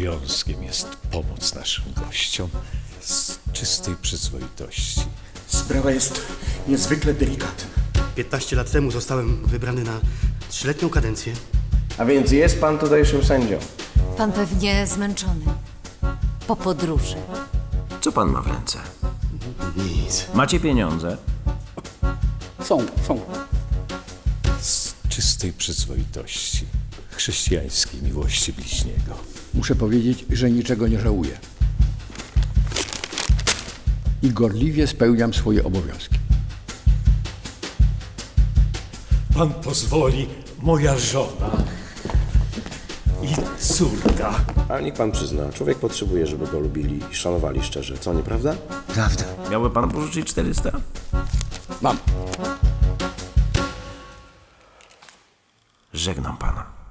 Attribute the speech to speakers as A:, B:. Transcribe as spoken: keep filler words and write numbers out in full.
A: obowiązkiem jest pomóc naszym gościom z czystej przyzwoitości.
B: Sprawa jest niezwykle delikatna.
C: piętnaście lat temu zostałem wybrany na trzyletnią kadencję.
D: A więc jest pan tutejszym sędzią.
E: Pan pewnie zmęczony. Po podróży.
F: Co pan ma w ręce?
C: Nic.
F: Macie pieniądze?
B: Są, są.
A: Z czystej przyzwoitości, chrześcijańskiej miłości bliźniego.
G: Muszę powiedzieć, że niczego nie żałuję. I gorliwie spełniam swoje obowiązki.
A: Pan pozwoli, moja żona i córka.
H: A niech pan przyzna, człowiek potrzebuje, żeby go lubili i szanowali szczerze, co nieprawda?
F: Prawda. Miałby pan pożyczyć czterysta?
G: Mam.
F: Żegnam pana.